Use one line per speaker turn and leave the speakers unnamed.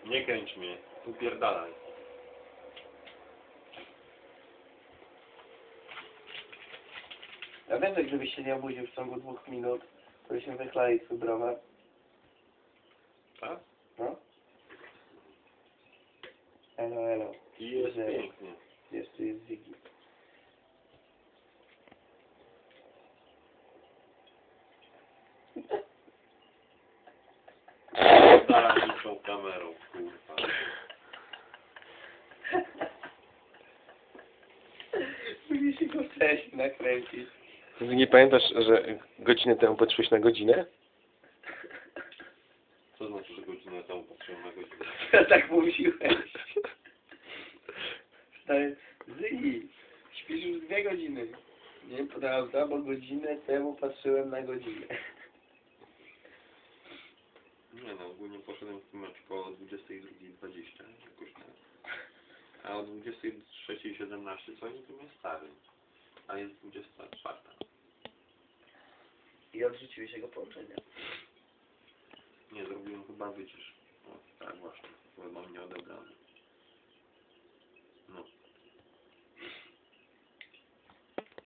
Nie kręć mnie, upierdalaj.
Ja wiem, że gdybyś się nie obudził w ciągu 2 minut, to byśmy wychlali twój browar.
Tak?
No? Elo, elo.
I jest
Zero.
pięknie.
Jeszcze jest Ziggy.
Zaraz tą kamerą, kurwa.
Musisz go wcześniej nakręcić.
Ty nie pamiętasz, że godzinę temu patrzyłeś na godzinę?
Co znaczy, że godzinę temu patrzyłem na godzinę?
Ja tak mówiłeś. Stary, Ziggy, śpisz już 2 godziny. Nie, prawda, bo godzinę temu patrzyłem na godzinę.
Nie no, ogólnie poszedłem w tym meczu koło 22:20 jakoś tak. A o 23:17 co oni tu mnie stawią? A jest 24.
I odrzuciłeś jego połączenia.
Nie, zrobiłem chyba wycisz. O, tak właśnie. Chyba mnie ode